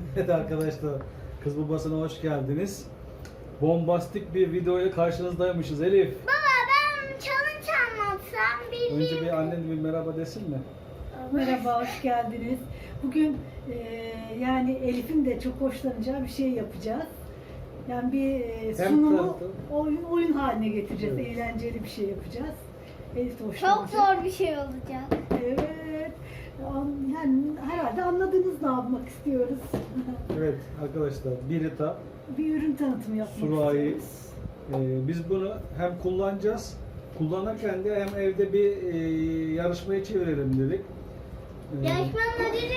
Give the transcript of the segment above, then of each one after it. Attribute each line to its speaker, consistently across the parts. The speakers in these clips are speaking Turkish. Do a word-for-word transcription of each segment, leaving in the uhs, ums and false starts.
Speaker 1: Evet arkadaşlar, Kız Babası'na hoş geldiniz. Bombastik bir videoyla karşınızdaymışız Elif.
Speaker 2: Baba ben challenge anlatsam bir
Speaker 1: Önce bir annen bir merhaba desin mi?
Speaker 3: Merhaba, hoş geldiniz. Bugün e, yani Elif'in de çok hoşlanacağı bir şey yapacağız. Yani bir e,
Speaker 1: Hem
Speaker 3: sunumu
Speaker 1: tanıtım.
Speaker 3: oyun, oyun haline getireceğiz.
Speaker 1: Evet.
Speaker 3: Eğlenceli bir şey yapacağız. Elif de
Speaker 2: Çok
Speaker 3: hoşlanacak.
Speaker 2: zor bir şey olacak.
Speaker 3: Evet. An- Yani herhalde anladınız ne yapmak istiyoruz.
Speaker 1: Evet arkadaşlar, Birita,
Speaker 3: Bir ürün tanıtımı yapmak
Speaker 1: Surayi.
Speaker 3: istiyoruz.
Speaker 1: Ee, biz bunu hem kullanacağız, kullanırken de hem evde bir e, yarışmaya çevirelim dedik. Ee,
Speaker 2: Yarışmanın ödülü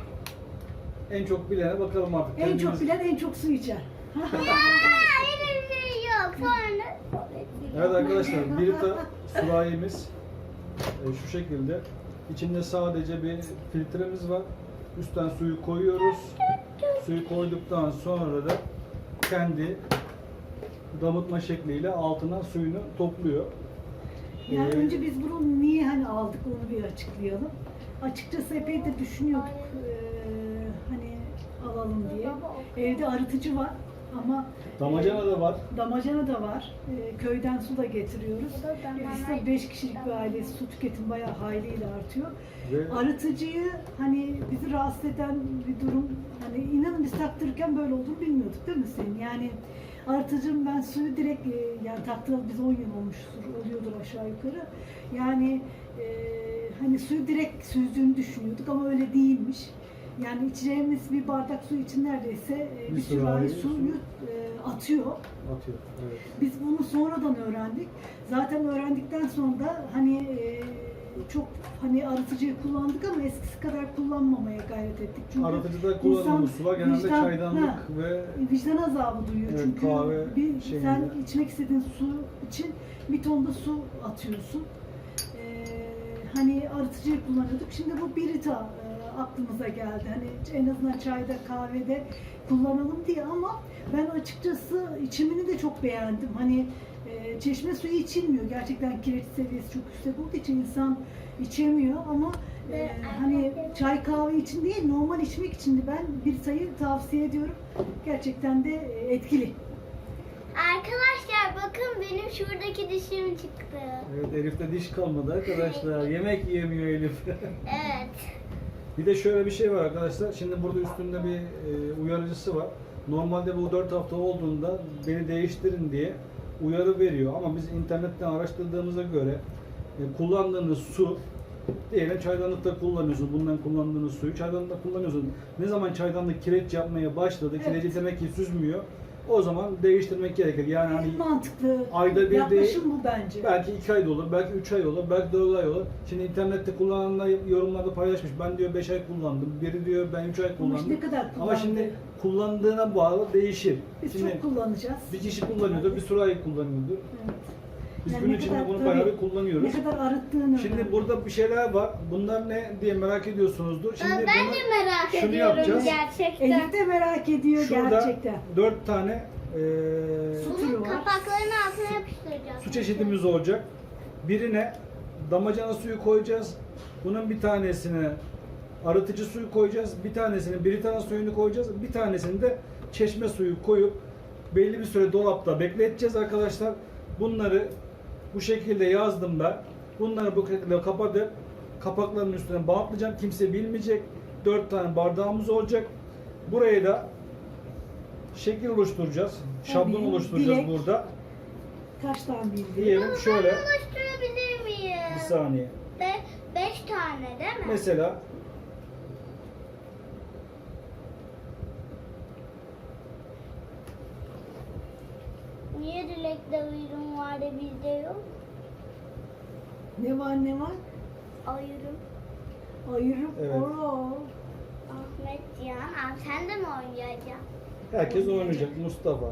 Speaker 2: ne?
Speaker 1: En çok bilene bakalım artık.
Speaker 3: En çok
Speaker 1: Kendimiz-
Speaker 3: bilen en çok su içer.
Speaker 2: Ya öyle bir şey yok. Sonra
Speaker 1: Evet arkadaşlar, Birita sürahimiz e, şu şekilde. İçinde sadece bir filtremiz var. Üstten suyu koyuyoruz. Suyu koyduktan sonra da kendi damıtma şekliyle altına suyunu topluyor.
Speaker 3: Yani
Speaker 1: Ee,
Speaker 3: önce biz bunu niye hani aldık onu bir açıklayalım. Açıkçası epey de düşünüyorduk eee, hani alalım diye. Evde arıtıcı var ama
Speaker 1: Damacana da var.
Speaker 3: damacana da var. Eee, köyden su da getiriyoruz. E, Biz de beş kişilik bir ailesi, su tüketimi bayağı hayliyle artıyor.
Speaker 1: Ve
Speaker 3: Arıtıcıyı hani bizi rahatsız eden bir durum, hani inanın biz taktırırken böyle olduğunu bilmiyorduk değil mi senin? Yani arıtıcım ben suyu direkt e, yani taktıralı biz on yıl olmuştur, oluyordur aşağı yukarı. Yani e, hani suyu direkt süzdüğünü düşünüyorduk ama öyle değilmiş. Yani içeceğimiz bir bardak su için neredeyse e,
Speaker 1: Bir
Speaker 3: bir
Speaker 1: sürahi
Speaker 3: sürahi
Speaker 1: su.
Speaker 3: suyu e, atıyor.
Speaker 1: atıyor. Evet.
Speaker 3: Biz bunu sonradan öğrendik. Zaten öğrendikten sonra da hani e, çok hani arıtıcıyı kullandık ama eskisi kadar kullanmamaya gayret ettik. Çünkü
Speaker 1: Arıtıcıda kullanılan
Speaker 3: insan
Speaker 1: sular genelde
Speaker 3: vicdan-
Speaker 1: çaydanlık
Speaker 3: ha,
Speaker 1: ve
Speaker 3: vicdan azabı duyuyor.
Speaker 1: Evet,
Speaker 3: Çünkü
Speaker 1: kahve
Speaker 3: bir,
Speaker 1: şeyinde.
Speaker 3: sen içmek istediğin su için bir tonda su atıyorsun. Ee, hani arıtıcıyı kullanıyorduk. Şimdi bu Birita e, aklımıza geldi. Hani en azından çayda, kahvede kullanalım diye ama ben açıkçası içimini de çok beğendim. Hani e, çeşme suyu içilmiyor. Gerçekten kireç seviyesi çok yüksek olduğu için insan içemiyor ama e, hani çay kahve için değil normal içmek için de ben Birita'yı tavsiye ediyorum. Gerçekten de e, etkili.
Speaker 2: Arkadaşlar bakın benim şuradaki dişim çıktı.
Speaker 1: evet, Elif'te diş kalmadı arkadaşlar. Yemek yiyemiyor Elif.
Speaker 2: Evet.
Speaker 1: Bir de şöyle bir şey var arkadaşlar. Şimdi burada üstünde bir e, uyarıcısı var. Normalde bu dört hafta olduğunda beni değiştirin diye uyarı veriyor. Ama biz internetten araştırdığımıza göre e, kullandığınız su, diyelim çaydanlıkta kullanıyorsun, bundan kullandığınız suyu çaydanlıkta kullanıyorsun. Ne zaman çaydanlık kireç yapmaya başladı,
Speaker 3: Evet.
Speaker 1: kireci demek ki süzmüyor. O zaman değiştirmek gerekir. Yani hani
Speaker 3: En mantıklı
Speaker 1: ayda bir
Speaker 3: yaklaşım
Speaker 1: değil,
Speaker 3: bu bence.
Speaker 1: belki iki ay da olur, belki üç ay olur, belki dört ay olur. Şimdi internette kullananlar yorumlarda paylaşmış. Ben diyor beş ay kullandım, biri diyor ben üç ay
Speaker 3: Ama
Speaker 1: kullandım.
Speaker 3: işte ne kadar
Speaker 1: Ama
Speaker 3: kullandı?
Speaker 1: şimdi kullandığına bağlı değişir.
Speaker 3: Biz
Speaker 1: Şimdi
Speaker 3: çok kullanacağız.
Speaker 1: bir kişi kullanıyordur, bir sürahi kullanıyordur.
Speaker 3: Evet.
Speaker 1: Biz
Speaker 3: Yani
Speaker 1: gün
Speaker 3: ne
Speaker 1: içinde
Speaker 3: kadar-
Speaker 1: bunu
Speaker 3: tabii,
Speaker 1: bayağı bir kullanıyoruz.
Speaker 3: Ne kadar arıttığını.
Speaker 1: Şimdi burada bir şeyler var. Bunlar ne diye merak ediyorsunuzdur. Şimdi
Speaker 2: ben
Speaker 1: bunu-
Speaker 2: de merak
Speaker 1: şunu
Speaker 2: ediyorum
Speaker 1: yapacağız.
Speaker 2: gerçekten.
Speaker 3: Elif de merak ediyor
Speaker 1: Şurada
Speaker 3: gerçekten.
Speaker 1: dört tane eee,
Speaker 3: Su türü
Speaker 2: Bunun
Speaker 3: var.
Speaker 2: kapaklarını altına yapıştıracağız.
Speaker 1: su çeşidimiz olacak. Birine damacana suyu koyacağız. Bunun bir tanesine arıtıcı suyu koyacağız. Bir tanesine Britanya suyunu koyacağız. Bir tanesini de çeşme suyu koyup belli bir süre dolapta bekleteceğiz arkadaşlar. Bunları bu şekilde yazdım ben. Bunları bu şekilde kapatıp kapaklarının üstüne bantlayacağım. Kimse bilmeyecek. Dört tane bardağımız olacak. Buraya da şekil oluşturacağız. Şablon
Speaker 3: Tabii,
Speaker 1: oluşturacağız
Speaker 3: dilek.
Speaker 1: burada.
Speaker 3: Kaç tane bildi?
Speaker 1: Diyelim şöyle.
Speaker 2: Ben oluşturabilir miyim?
Speaker 1: Bir saniye.
Speaker 2: Be beş tane değil mi?
Speaker 1: Mesela
Speaker 2: Niye dilekte uyrum var da bizde yok?
Speaker 3: Ne var ne var?
Speaker 2: Ayırım.
Speaker 3: Ayırıp
Speaker 1: Evet.
Speaker 3: Oo.
Speaker 2: Ahmet Cihan. Abi sen de mi oynayacaksın?
Speaker 1: herkes oynayacak. Mustafa.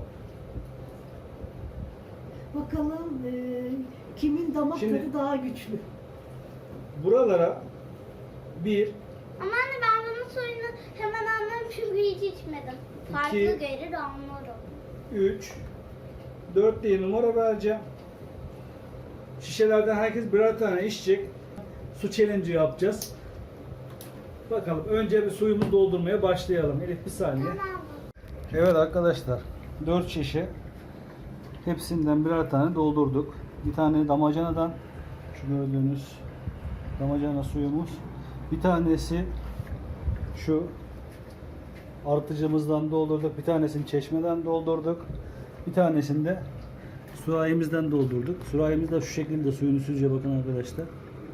Speaker 3: Bakalım e, kimin damak
Speaker 1: Şimdi-
Speaker 3: tadı daha güçlü.
Speaker 1: Buralara bir,
Speaker 2: Ama anne ben bunun suyunu hemen anlarım çünkü hiç içmedim. Farklı
Speaker 1: İki.
Speaker 2: gelir anlarım.
Speaker 1: üç, dört diye numara vereceğim. Şişelerden herkes birer tane içecek. Su challenge yapacağız. Bakalım önce bir suyumuzu doldurmaya başlayalım. Elif bir saniye.
Speaker 2: Tamam.
Speaker 1: Evet arkadaşlar, dört şişe hepsinden birer tane doldurduk. Bir tane damacanadan, şu gördüğünüz damacana suyumuz. Bir tanesi şu artıcımızdan doldurduk. Bir tanesini çeşmeden doldurduk. Bir tanesini de sürahimizden doldurduk. Sürahimiz de şu şekilde suyunu süzüyor, bakın arkadaşlar.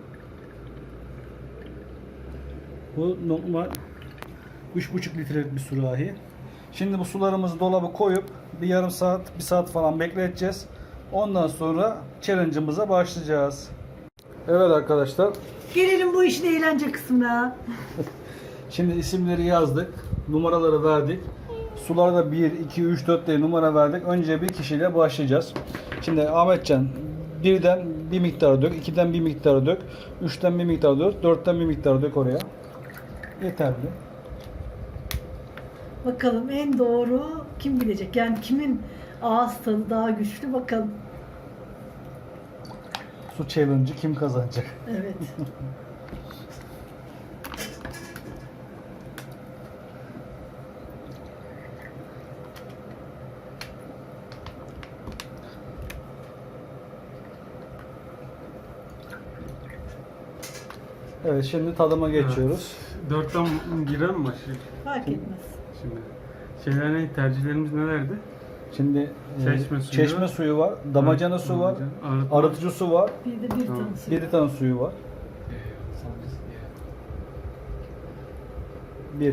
Speaker 1: Bu normal üç buçuk litrelik bir sürahi. Şimdi bu sularımızı dolaba koyup bir yarım saat, bir saat falan bekleteceğiz. Ondan sonra challenge'ımıza başlayacağız. Evet arkadaşlar,
Speaker 3: Gelelim bu işin eğlence kısmına.
Speaker 1: şimdi isimleri yazdık, numaraları verdik. Sularda bir, iki, üç, dört diye numara verdik. Önce bir kişiyle başlayacağız. Şimdi Ahmetcan, birden bir miktar dök, ikiden bir miktar dök, üçten bir miktar dök, dörtten bir miktar dök oraya. Yeterli.
Speaker 3: Bakalım en doğru kim bilecek? Yani kimin ağız tadı daha güçlü bakalım.
Speaker 1: Su challenge'ı kim kazanacak?
Speaker 3: Evet.
Speaker 1: Evet, şimdi tadıma geçiyoruz.
Speaker 4: Dörtten girer mi başlıyor?
Speaker 3: Fark etmez.
Speaker 4: Şimdi şeyler ne? Tercihlerimiz nelerdi?
Speaker 1: Şimdi e,
Speaker 4: Çeşme suyu
Speaker 1: çeşme
Speaker 4: var.
Speaker 1: suyu var, damacana su var,
Speaker 4: Damacana, arıtma.
Speaker 1: arıtıcı su var,
Speaker 3: Bir de bir
Speaker 4: Tamam.
Speaker 3: tanesi.
Speaker 1: bir tane suyu var. Bir.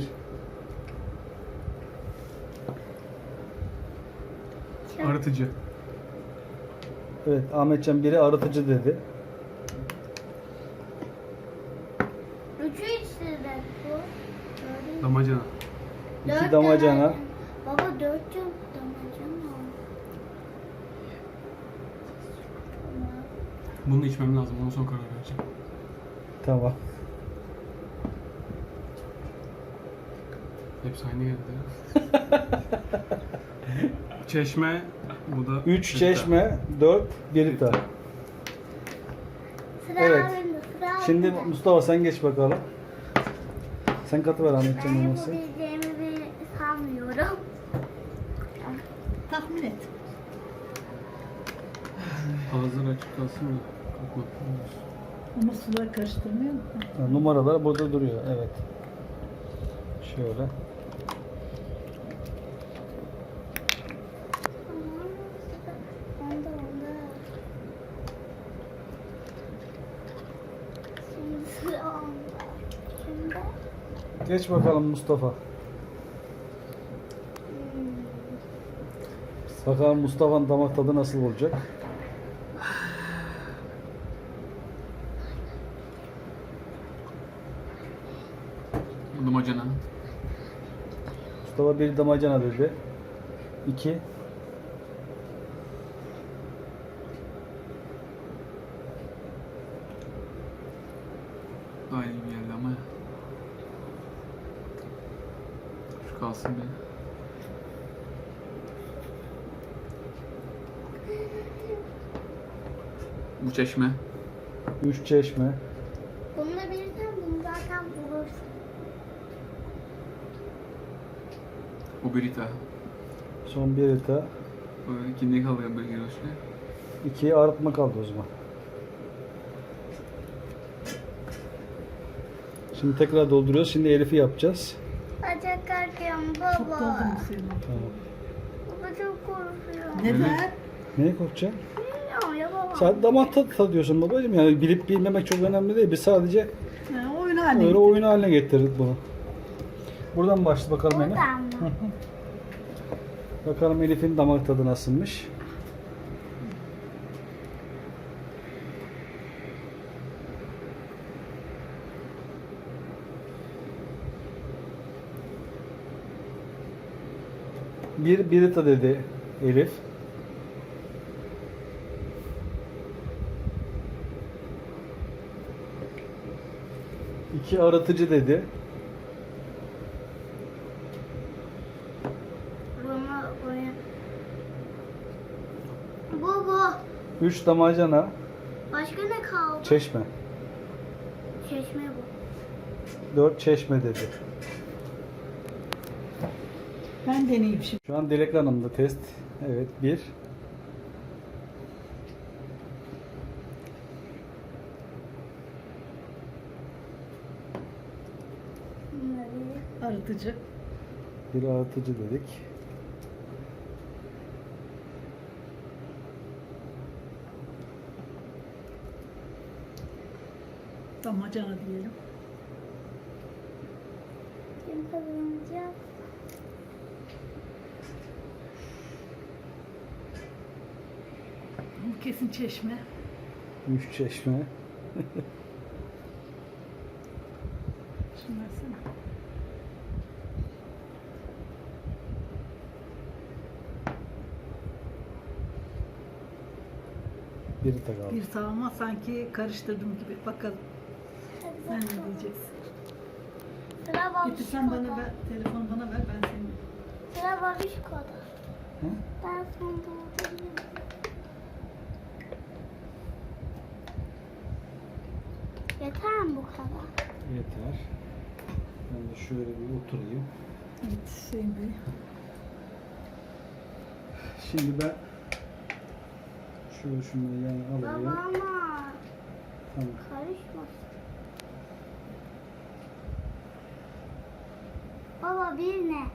Speaker 4: Arıtıcı.
Speaker 1: Evet, Ahmetcan biri arıtıcı dedi.
Speaker 2: Üçü içti bu. Dördü-
Speaker 4: Damacana.
Speaker 2: Dört
Speaker 1: İki damacana.
Speaker 2: tane- Baba dört cam damacana. Tamam.
Speaker 4: Bunu içmem lazım. Ondan sonra karar vereceğim.
Speaker 1: Tamam.
Speaker 4: Hepsi aynı geldi ya. Çeşme. Bu da
Speaker 1: Üç
Speaker 4: bir
Speaker 1: çeşme, dört birita.
Speaker 2: Sıra
Speaker 1: Evet.
Speaker 2: bende, sıra
Speaker 1: Şimdi
Speaker 2: bende.
Speaker 1: Mustafa sen geç bakalım. Sen katıver
Speaker 2: Ben
Speaker 1: Ahmetcan olması.
Speaker 2: yapabileceğimi bir sanmıyorum.
Speaker 3: Tahmin et.
Speaker 4: tane. Ağızları açık kalsın mı? Kalkmak.
Speaker 3: Ama suları karıştırmıyor mu?
Speaker 1: Ha, numaralar burada duruyor. Evet. Şöyle.
Speaker 2: Onda onda. Şimdi sıra onda. Şimdi
Speaker 1: Geç bakalım Mustafa.
Speaker 2: hmm,
Speaker 1: Bakalım Mustafa'nın damak tadı nasıl olacak?
Speaker 4: Damacana.
Speaker 1: Mustafa bir damacana dedi. İki.
Speaker 4: Daha iyi bir geldi ama ya. Şu kalsın bir. Bu çeşme.
Speaker 1: Üç çeşme.
Speaker 2: bununla birden bunu zaten bulursun.
Speaker 4: Bu birita.
Speaker 1: Son birita.
Speaker 4: Bu ikinci kalıyor bir giroşlu.
Speaker 1: İkiye arıtma kaldı o zaman. Şimdi tekrar dolduruyoruz. Şimdi Elif'i yapacağız.
Speaker 2: Ben çok korkuyorum
Speaker 3: Çok
Speaker 2: baba.
Speaker 3: doldurmuş senin.
Speaker 1: Tamam.
Speaker 2: Baba çok korkuyorum.
Speaker 3: Neden?
Speaker 1: Neye korkacaksın?
Speaker 2: Bilmiyorum ya baba.
Speaker 1: Sadece damak tadı tadıyorsun babacığım. Yani bilip bilmemek çok önemli değil. Biz sadece
Speaker 3: Ha, oyun haline
Speaker 1: öyle
Speaker 3: getir.
Speaker 1: oyun haline getirdik bunu. Buradan başla bakalım Elif.
Speaker 2: Buradan mı?
Speaker 1: Bakalım Elif'in damak tadı nasılmış. Bir birita dedi Elif. İki arıtıcı dedi.
Speaker 2: Bunu buraya. Bu bu.
Speaker 1: Üç damacana
Speaker 2: Başka ne kaldı?
Speaker 1: çeşme.
Speaker 2: Çeşme bu.
Speaker 1: dört çeşme dedi.
Speaker 3: Ben deneyeyim şimdi.
Speaker 1: Şu an Dilek Hanım'da test. Evet, bir.
Speaker 3: Arıtıcı.
Speaker 1: Bir arıtıcı dedik.
Speaker 3: Damacana diyelim.
Speaker 2: Kim kazanacak?
Speaker 3: Bu kesin çeşme.
Speaker 1: Üç çeşme.
Speaker 3: Şunu versene.
Speaker 1: Bir takal.
Speaker 3: Bir sağıma sanki karıştırdım gibi. Bakalım. Sen ne diyeceksin?
Speaker 2: Sıra
Speaker 3: Getir sen bana
Speaker 2: babişkoda.
Speaker 3: ver. Telefonu bana ver. Ben senin.
Speaker 2: Sıra babişkoda.
Speaker 1: Hı?
Speaker 2: Ben son doldurayım. Yeter mi bu kadar?
Speaker 1: Yeter. Ben de şöyle bir oturayım.
Speaker 3: Evet Hüseyin Bey.
Speaker 1: Şimdi ben şöyle şunları yan
Speaker 2: Baba
Speaker 1: alayım.
Speaker 2: ama
Speaker 1: Tamam.
Speaker 2: karışmasın. Baba bir ne?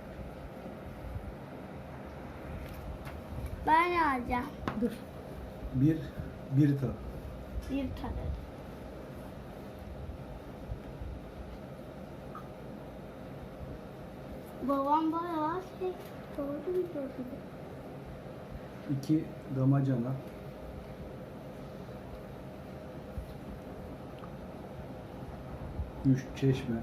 Speaker 2: Ben ne alacağım?
Speaker 3: Dur.
Speaker 1: Bir, bir ta.
Speaker 2: Bir tane. Babam bayağı şey doğru mu söyledi?
Speaker 1: İki damacana. Üç çeşme.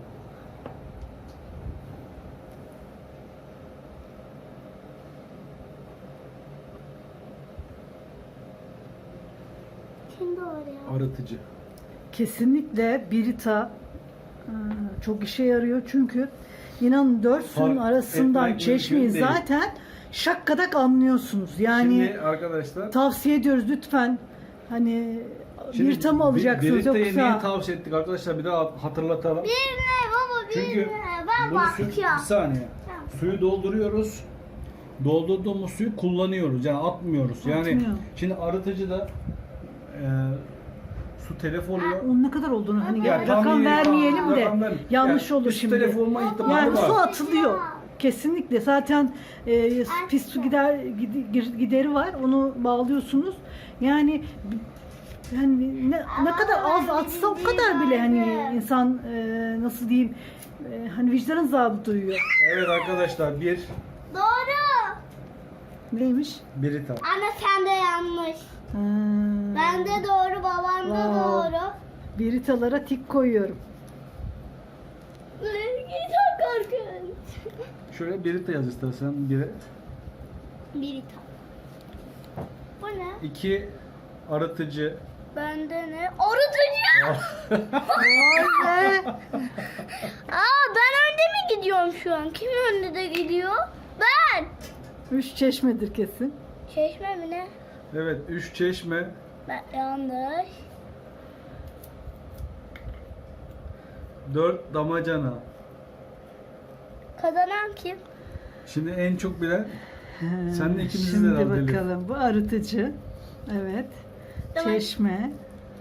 Speaker 2: Kim doğru ya?
Speaker 1: Arıtıcı.
Speaker 3: Kesinlikle Brita e, çok işe yarıyor çünkü inanın dört suyun
Speaker 1: Fark
Speaker 3: arasından
Speaker 1: etmek
Speaker 3: çeşmeyi
Speaker 1: mümkün değil.
Speaker 3: zaten şakkadak anlıyorsunuz. Yani
Speaker 1: Şimdi arkadaşlar
Speaker 3: tavsiye ediyoruz lütfen. Hani
Speaker 1: şimdi
Speaker 3: Brita mı alacaksınız
Speaker 1: Berita'yı niye
Speaker 3: yoksa?
Speaker 1: tavsiye ettik arkadaşlar, bir daha hatırlatalım.
Speaker 2: Bir ne baba bir
Speaker 1: Çünkü
Speaker 2: ne? Ben
Speaker 1: bunu su, bir
Speaker 2: bakacağım.
Speaker 1: saniye.
Speaker 2: Tamam.
Speaker 1: Suyu dolduruyoruz. Doldurduğumuz suyu kullanıyoruz. Yani atmıyoruz. Yani
Speaker 3: Atmıyor.
Speaker 1: şimdi arıtıcıda e, su telef oluyor.
Speaker 3: Onun ne kadar olduğunu hani
Speaker 1: Yani tam
Speaker 3: rakam
Speaker 1: bir-
Speaker 3: vermeyelim de
Speaker 1: rakam vermeyelim.
Speaker 3: yanlış
Speaker 1: Yani
Speaker 3: olur
Speaker 1: üst
Speaker 3: şimdi.
Speaker 1: telef olma ihtimali
Speaker 3: Yani
Speaker 1: var.
Speaker 3: su atılıyor. Kesinlikle zaten e, pis su gider gid- gideri var. Onu bağlıyorsunuz. Yani yani ne, ne kadar az atsa o kadar bile hani insan e, nasıl diyeyim e, hani vicdan azabı duyuyor.
Speaker 1: Evet arkadaşlar, bir
Speaker 2: Doğru.
Speaker 3: Neymiş?
Speaker 1: Brita.
Speaker 2: Anne sen de yanlış.
Speaker 3: Ha,
Speaker 2: Ben de doğru, babam da
Speaker 3: Wow.
Speaker 2: doğru.
Speaker 3: Britalara tik koyuyorum.
Speaker 2: Çok korkunç.
Speaker 1: Şöyle Brita yaz istersen. Bire.
Speaker 2: Bir tane. Bu ne?
Speaker 1: İki arıtıcı.
Speaker 2: Bende ne? Arıtıcı.
Speaker 3: Vay be!
Speaker 2: Aa ben önde mi gidiyorum şu an? Kim önde de gidiyor? Ben.
Speaker 3: Üç çeşmedir kesin.
Speaker 2: Çeşme mi ne?
Speaker 1: Evet, üç çeşme.
Speaker 2: Ben yanlış.
Speaker 1: Dört damacana.
Speaker 2: Kazanan kim?
Speaker 1: Şimdi en çok bilen
Speaker 3: He,
Speaker 1: Sen de ikimizi de
Speaker 3: Şimdi
Speaker 1: al Elif.
Speaker 3: bakalım. Bu arıtıcı. Evet.
Speaker 2: Tamam.
Speaker 3: Çeşme.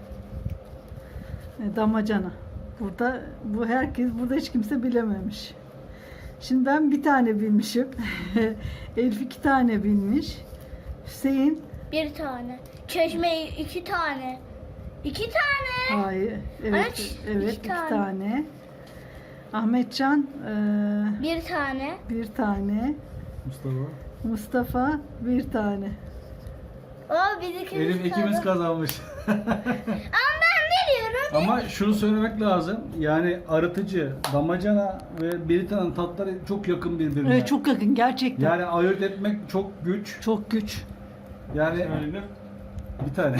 Speaker 3: E, Damacana. Burada bu herkes burada hiç kimse bilememiş. Şimdi ben bir tane bilmişim. Elif iki tane bilmiş. Hüseyin
Speaker 2: Bir tane. Çeşme iki tane. İki tane.
Speaker 3: hayır. Evet.
Speaker 2: Evet,
Speaker 3: Evet,
Speaker 2: iki
Speaker 3: iki
Speaker 2: tane.
Speaker 3: tane. Ahmetcan e,
Speaker 2: Bir tane.
Speaker 3: bir tane.
Speaker 1: Mustafa.
Speaker 3: Mustafa bir tane.
Speaker 2: O biz ikimiz
Speaker 1: Elif ikimiz
Speaker 2: kazandık.
Speaker 1: kazanmış.
Speaker 2: Ama ben biliyorum.
Speaker 1: Ama şunu söylemek lazım. Yani arıtıcı, damacana ve Brita'nın tatları çok yakın birbirine.
Speaker 3: Evet, çok yakın gerçekten.
Speaker 1: Yani ayırt etmek çok güç.
Speaker 3: Çok güç.
Speaker 1: Yani bir tane.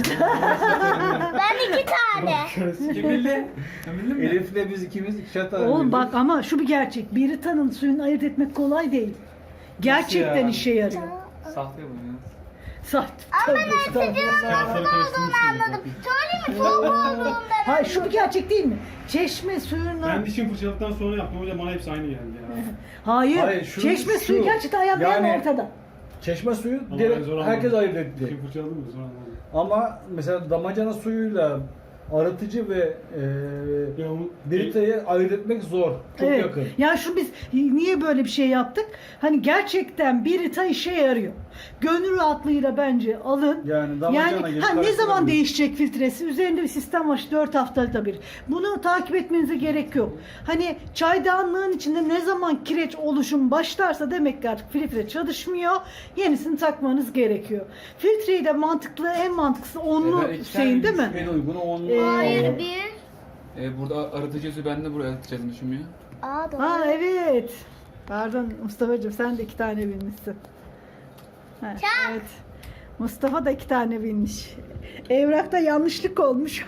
Speaker 2: Ben iki tane.
Speaker 1: Kim bildi? Elif'le biz ikimiz ikişer tane
Speaker 3: Oğlum
Speaker 1: bildik.
Speaker 3: bak ama şu bir gerçek. Biritanın suyunu ayırt etmek kolay değil. Gerçekten
Speaker 1: ya?
Speaker 3: işe yarıyor.
Speaker 4: Sahte bu ya.
Speaker 3: Sahte. Tövbe estağfurullah.
Speaker 2: Anladım. Söyleyeyim mi? Soğuk olduğundan
Speaker 3: Ha Hayır, şu bir gerçek değil mi? Çeşme suyuna...
Speaker 5: Ben dişimi fırçaladıktan sonra yaptım hocam, bana hepsi aynı geldi ya.
Speaker 3: Hayır,
Speaker 1: Hayır, şu-
Speaker 3: çeşme
Speaker 1: şu-
Speaker 3: suyu gerçekten ayağımlayan
Speaker 1: yani-
Speaker 3: ortada.
Speaker 1: Çeşme suyu
Speaker 5: Ama
Speaker 1: direkt
Speaker 5: ben zor
Speaker 1: herkes
Speaker 5: anladım.
Speaker 1: ayırt etti.
Speaker 5: Dişimi fırçaladım mı sonra anladım.
Speaker 1: Ama mesela damacana suyuyla arıtıcı ve e,
Speaker 5: Ya onu-
Speaker 1: Brita'yı ayırt etmek zor. Çok
Speaker 3: Evet.
Speaker 1: yakın.
Speaker 3: Yani şu biz niye böyle bir şey yaptık? Hani gerçekten Brita işe yarıyor. Gönül rahatlığıyla bence alın.
Speaker 1: Yani damacana
Speaker 3: Yani
Speaker 1: gibi
Speaker 3: ha, ne zaman
Speaker 1: karıştırabiliriz. değişecek
Speaker 3: değişecek filtresi? Üzerinde bir sistem var. dört haftada bir. Bunu takip etmenize gerek yok. Hani çaydanlığın içinde ne zaman kireç oluşum başlarsa demek ki artık filtre çalışmıyor. Yenisini takmanız gerekiyor. Filtreyi de mantıklı, en mantıklısı onlu
Speaker 4: Evet, iki tane
Speaker 3: şeyin değil mi?
Speaker 1: En uygunu onun.
Speaker 3: Ee,
Speaker 2: Hayır bir.
Speaker 4: Ee, burada arıtıcı suyu ben de buraya atacağız düşünmüyor.
Speaker 2: Aa doğru.
Speaker 3: Ha evet. Pardon Mustafa'cığım, sen de iki tane bilmişsin. Ha, evet. Mustafa da iki tane bilmiş. Evrakta yanlışlık olmuş.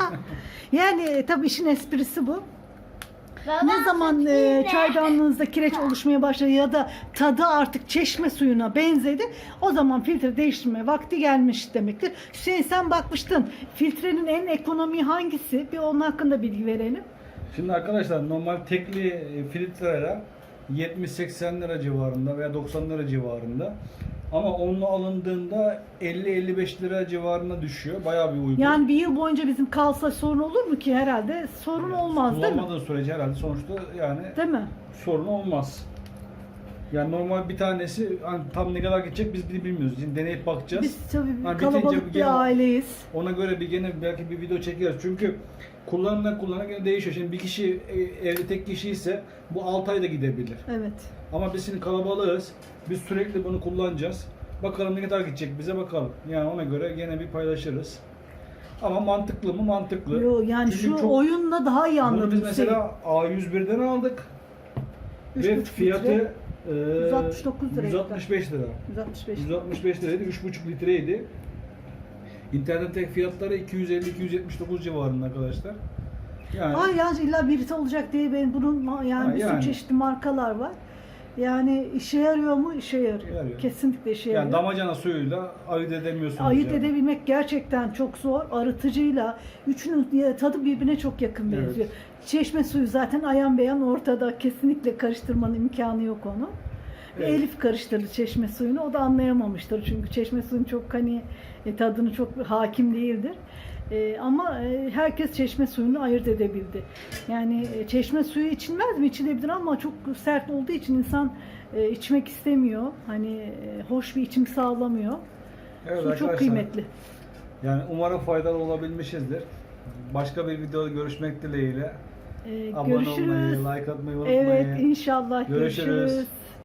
Speaker 3: Yani e, tabii işin esprisi bu.
Speaker 2: Baba,
Speaker 3: Ne zaman
Speaker 2: süt
Speaker 3: e,
Speaker 2: ne?
Speaker 3: çaydanlığınızda kireç oluşmaya başladı ya da tadı artık çeşme suyuna benzedi, o zaman filtre değiştirme vakti gelmiş demektir. Hüseyin, sen bakmıştın. Filtrenin en ekonomi hangisi? Bir onun hakkında bilgi verelim.
Speaker 1: Şimdi arkadaşlar normal tekli e, filtreler yetmiş seksen lira civarında veya doksan lira civarında. Ama onunla alındığında elli elli beş lira civarına düşüyor. Bayağı bir uygun.
Speaker 3: Yani bir yıl boyunca bizim kalsa sorun olur mu ki? Herhalde sorun olmaz değil mi?
Speaker 1: Kullanmadığı sürece herhalde sonuçta yani
Speaker 3: Değil mi?
Speaker 1: sorun olmaz. Yani normal bir tanesi hani tam ne kadar gidecek biz bile bilmiyoruz. Şimdi deneyip bakacağız.
Speaker 3: Biz tabii
Speaker 1: Ha,
Speaker 3: kalabalık
Speaker 1: bitince
Speaker 3: bir
Speaker 1: gene-
Speaker 3: aileyiz.
Speaker 1: Ona göre bir gene belki bir video çekeriz. Çünkü kullanımdan kullanana gene değişiyor. Şimdi bir kişi e, evde tek kişi ise bu altı ayda gidebilir.
Speaker 3: Evet.
Speaker 1: Ama biz şimdi kalabalığız. Biz sürekli bunu kullanacağız. Bakalım ne kadar gidecek bize bakalım. Yani ona göre gene bir paylaşırız. Ama mantıklı mı? Mantıklı.
Speaker 3: Yo, yani
Speaker 1: Çünkü
Speaker 3: şu
Speaker 1: çok-
Speaker 3: oyunla daha iyi anladım.
Speaker 1: Bunu biz mesela A yüz birden aldık.
Speaker 3: Üç
Speaker 1: Ve
Speaker 3: buçuk
Speaker 1: fiyatı
Speaker 3: litre,
Speaker 1: e,
Speaker 3: yüz altmış dokuz liraydı.
Speaker 1: yüz altmış beş lira.
Speaker 3: yüz altmış beş.
Speaker 1: yüz altmış beş liraydı. üç buçuk litreydi. İnternetteki fiyatları iki yüz elli iki yüz yetmiş dokuz civarında arkadaşlar. Yani
Speaker 3: Hayır yani illa birisi olacak diye ben bunun ma- yani
Speaker 1: Ha,
Speaker 3: bir sürü
Speaker 1: yani.
Speaker 3: çeşitli markalar var. Yani işe yarıyor mu? İşe yarıyor.
Speaker 1: Yarıyor.
Speaker 3: Kesinlikle işe
Speaker 1: yani
Speaker 3: yarıyor.
Speaker 1: damacana suyuyla ayırt edemiyorsunuz.
Speaker 3: Ayırt
Speaker 1: yani.
Speaker 3: edebilmek gerçekten çok zor. Arıtıcıyla üçünün tadı birbirine çok yakın
Speaker 1: Evet.
Speaker 3: benziyor. Çeşme suyu zaten ayan beyan ortada. Kesinlikle karıştırmanın imkanı yok onu.
Speaker 1: Evet.
Speaker 3: Elif karıştırdı çeşme suyunu. O da anlayamamıştır. Çünkü çeşme suyun çok hani e, tadını çok hakim değildir. E, ama e, herkes çeşme suyunu ayırt edebildi. Yani e, çeşme suyu içilmez mi? İçilebilir ama çok sert olduğu için insan e, içmek istemiyor. Hani e, hoş bir içim sağlamıyor.
Speaker 1: Evet
Speaker 3: Su çok
Speaker 1: arkadaşlar,
Speaker 3: kıymetli.
Speaker 1: Yani umarım faydalı olabilmişizdir. Başka bir videoda görüşmek dileğiyle.
Speaker 3: Ee,
Speaker 1: Abone
Speaker 3: görüşürüz.
Speaker 1: olmayı, like atmayı unutmayın.
Speaker 3: Evet, inşallah
Speaker 1: Görüşürüz.
Speaker 3: görüşürüz.